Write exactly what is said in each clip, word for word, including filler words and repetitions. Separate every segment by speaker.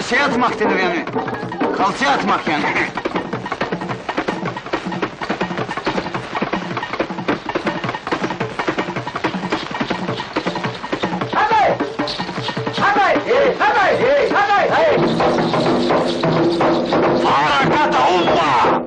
Speaker 1: buna şey atmak denir yani. Kalçaya atmak yani.
Speaker 2: Hadi! Hadi! Hadi! Hadi!
Speaker 3: Harakata umma!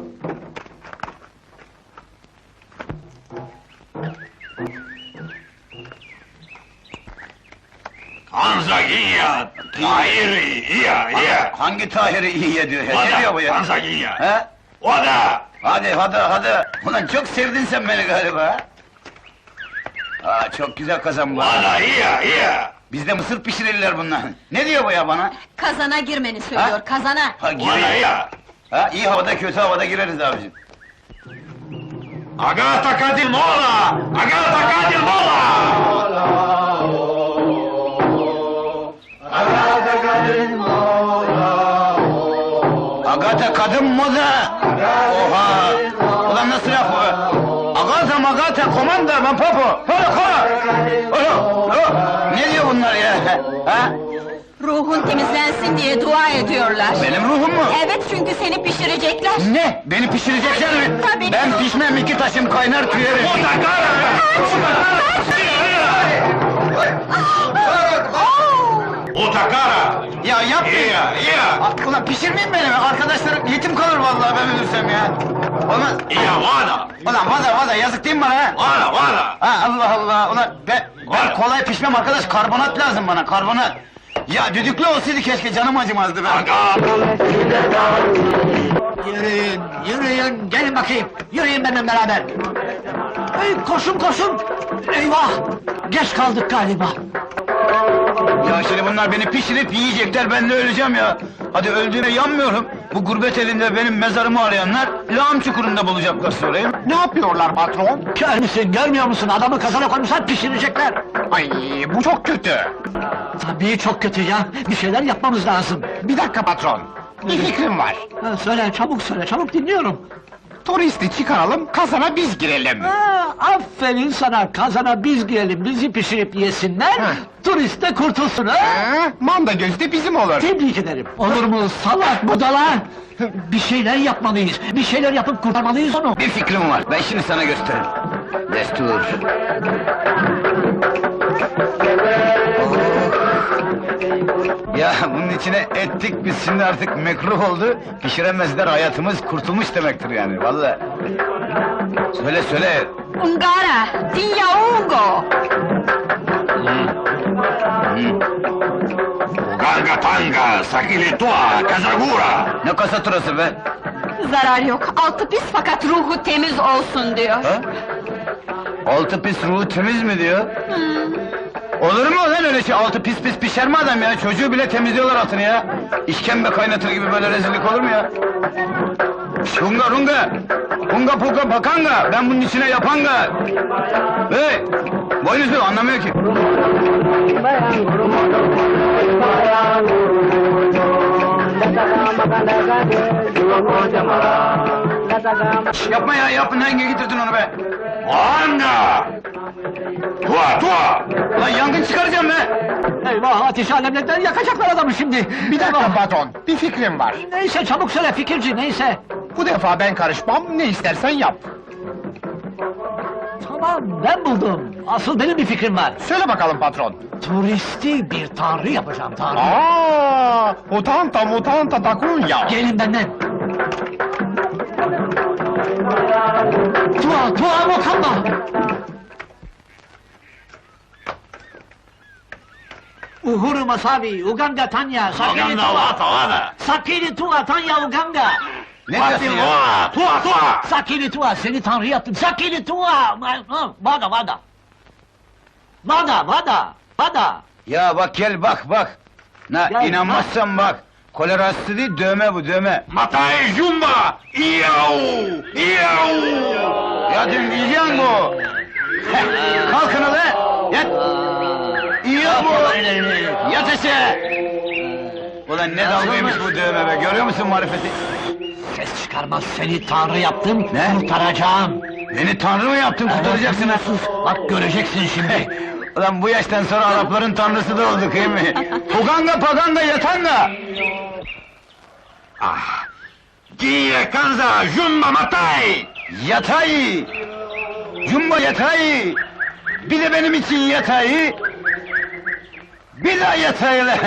Speaker 3: Tanzanya, Tahiri, iya, iya.
Speaker 1: Hangi Tahir'i iyiye diyor ya? Ne diyor bu ya?
Speaker 3: Tanzanya.
Speaker 1: He?
Speaker 3: O da.
Speaker 1: Hadi hadi hadi. Ulan çok sevdin sen beni galiba. Aa, çok güzel kazan bu.
Speaker 3: O da iya, iya.
Speaker 1: Bizde mısır pişirirler bunlar. Ne diyor bu ya bana?
Speaker 4: Kazana girmeni söylüyor,
Speaker 1: Ha?
Speaker 4: kazana!
Speaker 1: Ha,
Speaker 3: O da
Speaker 1: gireyim.
Speaker 3: iya.
Speaker 1: Ha, iyi havada kötü havada gireriz abicim.
Speaker 3: Agata Kadimola! Agata Kadimola!
Speaker 1: Agata kadın moda! Oha! Ulan nasıl laf bu? Agata magata komanda ma popo! Hala hala! Hala! Hala! Ne diyor bunlar ya? Ha?
Speaker 4: Ruhun temizlensin diye dua ediyorlar.
Speaker 1: Benim ruhum mu?
Speaker 4: Evet, çünkü seni pişirecekler.
Speaker 1: Ne? Beni pişirecekler mi?
Speaker 4: Tabii.
Speaker 1: Ben pişmem, iki taşım kaynar tüyerim.
Speaker 3: O da kara! O da kara!
Speaker 1: Ya yapmayın!
Speaker 3: İya, iya.
Speaker 1: Ah, ulan pişirmeyin beni! Arkadaşlarım yetim kalır vallahi ben ölürsem ya! Olmaz!
Speaker 3: İya, vada!
Speaker 1: Ulan vada vada yazık değil mi bana ha?
Speaker 3: Vada, vada!
Speaker 1: Ha Allah Allah! Ulan ben, ben
Speaker 3: Var.
Speaker 1: kolay pişmem arkadaş, karbonat lazım bana, karbonat! Ya düdüklü olsaydı keşke, canım acımazdı ben!
Speaker 3: Aga!
Speaker 2: Yürüyün, yürüyün, gelin bakayım! Yürüyün benimle beraber! Hey, koşun koşun! Eyvah! Geç kaldık galiba!
Speaker 1: Ya şimdi bunlar beni pişirip yiyecekler, ben de öleceğim ya! Hadi öldüğüme yanmıyorum! Bu gurbet elinde benim mezarımı arayanlar, lağım çukurunda bulacaklar sorayım!
Speaker 2: Ne yapıyorlar patron? Kör müsün, görmüyor musun? Adamı kazana koymuşlar, pişirecekler! Ay, bu çok kötü! Tabii çok kötü ya, bir şeyler yapmamız lazım! Bir dakika patron, bir fikrim var! Ha, söyle, çabuk söyle, çabuk dinliyorum! Turisti çıkaralım, kazana biz girelim! Ha, aferin sana, kazana biz girelim, bizi pişirip yesinler, turist de kurtulsun ha!
Speaker 5: Manda gözde bizim olur.
Speaker 2: Tebrik ederim! Olur mu salak budala? Bir şeyler yapmalıyız, bir şeyler yapıp kurtarmalıyız onu!
Speaker 1: Bir fikrim var, ben şimdi sana gösteririm! Destur! Ya bunun içine ettik biz, şimdi artık mekruh oldu, pişiremezler, hayatımız kurtulmuş demektir yani, vallahi. Söyle söyle!
Speaker 4: Ungara, Tinyaungo!
Speaker 3: Uganga tanga, sakili tua, kazagura!
Speaker 1: Ne kasaturası be!
Speaker 4: Zarar yok, altı pis fakat ruhu temiz olsun diyor.
Speaker 1: Ha? Altı pis ruhu temiz mi diyor?
Speaker 4: Hmm.
Speaker 1: Olur mu lan öyle şey? Altı pis pis pişer mi adam ya? Çocuğu bile temizliyorlar altını ya! İşkembe kaynatır gibi böyle rezillik olur mu ya? Runga runga! Hunga puka pakanga! Ben bunun içine yapanga! Hey! Boynuzlu anlamıyor ki! Şş, yapma ya, yapın, hangi getirdin onu be?
Speaker 3: Anda! Tua, tua!
Speaker 1: Lan yangın çıkaracağım be!
Speaker 2: Eyvah, ateş alemletler yakacaklar adamı şimdi!
Speaker 5: Bir dakika patron, bir fikrim var.
Speaker 2: Neyse, çabuk söyle fikirci, neyse!
Speaker 5: Bu defa ben karışmam, ne istersen yap.
Speaker 2: Tamam, ben buldum! Asıl benim bir fikrim var!
Speaker 5: Söyle bakalım patron.
Speaker 2: Turisti bir tanrı yapacağım, tanrı!
Speaker 5: Aa, mutanta mutanta takunya.
Speaker 2: Gelin benden! Tua, tua mokamba! Uhuru Masavi, Uganda Tanya, Sakini
Speaker 3: Uganda
Speaker 2: Tua!
Speaker 3: vata, vada!
Speaker 2: Sakini Tua, Tanya Uganda!
Speaker 1: Ne diyorsun ya?
Speaker 3: Tua, tua, tua!
Speaker 2: Sakini Tua, seni tanrı yaptım! Sakini Tua! Vada, vada! Vada, vada, vada!
Speaker 1: Ya bak gel bak bak! Na,
Speaker 2: Gel,
Speaker 1: inanmazsan bak! Kolera hastası değil, dövme bu, dövme!
Speaker 3: Matai Jumba! Iyau! Iyau!
Speaker 1: Ya dün yiyeceksin bu! Heh, kalkın ulan! Yat! İyi bu! Yat aşağı! Ulan ne dalgaymış bu dövme be, görüyor musun marifeti?
Speaker 2: Ses çıkarmaz, seni tanrı yaptım,
Speaker 1: Ne?
Speaker 2: kurtaracağım!
Speaker 1: Beni tanrı mı yaptın, kurtaracaksın ha?
Speaker 2: Sus, bak göreceksin şimdi!
Speaker 1: Ulan bu yaştan sonra Arapların tanrısı da olduk, iyi mi? Puganga paganga yatanga!
Speaker 3: Ah. Gie, kanza, jumba, matay!
Speaker 1: Yatay! Jumbo yatay! Bir de benim için yatay! Bir daha yatay lan!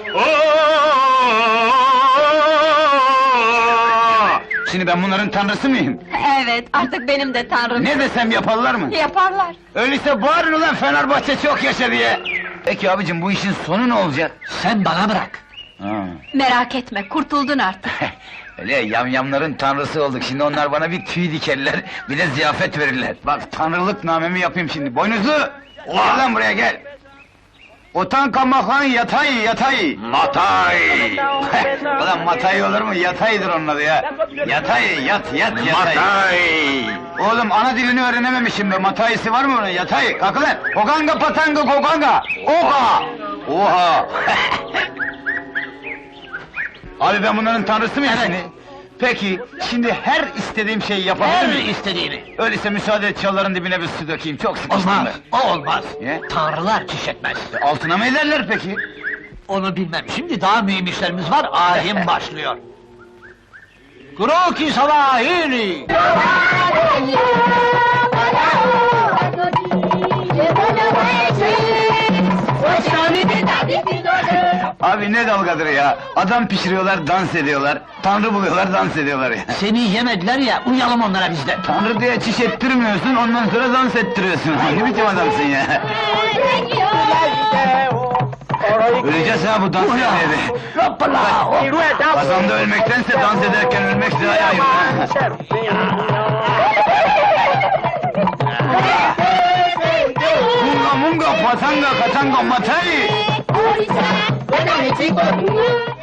Speaker 1: Şimdi ben bunların tanrısı mıyım?
Speaker 4: Evet, artık benim de tanrım.
Speaker 1: Ne desem yaparlar mı?
Speaker 4: Yaparlar.
Speaker 1: Öyleyse bağırın ulan Fenerbahçe çok yaşa diye! Peki abicim bu işin sonu ne olacak?
Speaker 2: Sen bana bırak.
Speaker 1: Ha.
Speaker 4: Merak etme, kurtuldun artık.
Speaker 1: Öyle yamyamların tanrısı olduk, şimdi onlar bana bir tüy dikerler, bir de ziyafet verirler. Bak tanrılık namemi yapayım şimdi, boynuzlu! Gel lan buraya gel! Otanka makan yatay yatay!
Speaker 3: Matay!
Speaker 1: Ulan matay olur mu? Yataydır onun adı ya! Yatay, yat, yat, yatay!
Speaker 3: Matay!
Speaker 1: Oğlum ana dilini öğrenememişim be, matayisi var mı onun? Yatay, kalk lan! Kokanga patanga kokanga! Oha! Oha! Abi ben bunların tanrısı mıyım
Speaker 2: Evet.
Speaker 1: şimdi? Peki, şimdi her istediğim şeyi yapabilir
Speaker 2: Her
Speaker 1: miyim?
Speaker 2: istediğini.
Speaker 1: Öyleyse müsaade et çalların dibine bir su dökeyim, çok sıkıştım
Speaker 2: Olmaz,
Speaker 1: ben.
Speaker 2: o olmaz.
Speaker 1: Niye?
Speaker 2: Tanrılar çiş etmez.
Speaker 1: Altına mı ederler peki?
Speaker 2: Onu bilmem, şimdi daha mühim işlerimiz var, ayin başlıyor. Kroki Savahili!
Speaker 1: Abi ne dalgadır ya! Adam pişiriyorlar, dans ediyorlar, tanrı buluyorlar, dans ediyorlar ya!
Speaker 2: Seni yemediler ya, uyalım onlara biz de.
Speaker 1: Tanrı diye çiş ettirmiyorsun, ondan sonra dans ettiriyorsun! Ne biçim adamsın ya! Öleceğiz ha bu dans
Speaker 2: Ulan!
Speaker 1: etmeye de!
Speaker 2: Hoppala!
Speaker 1: Kazanda ölmektense dans ederken ölmek daha iyi ha! Munga munga patanga katanga matay!
Speaker 6: Orisa, buena chico.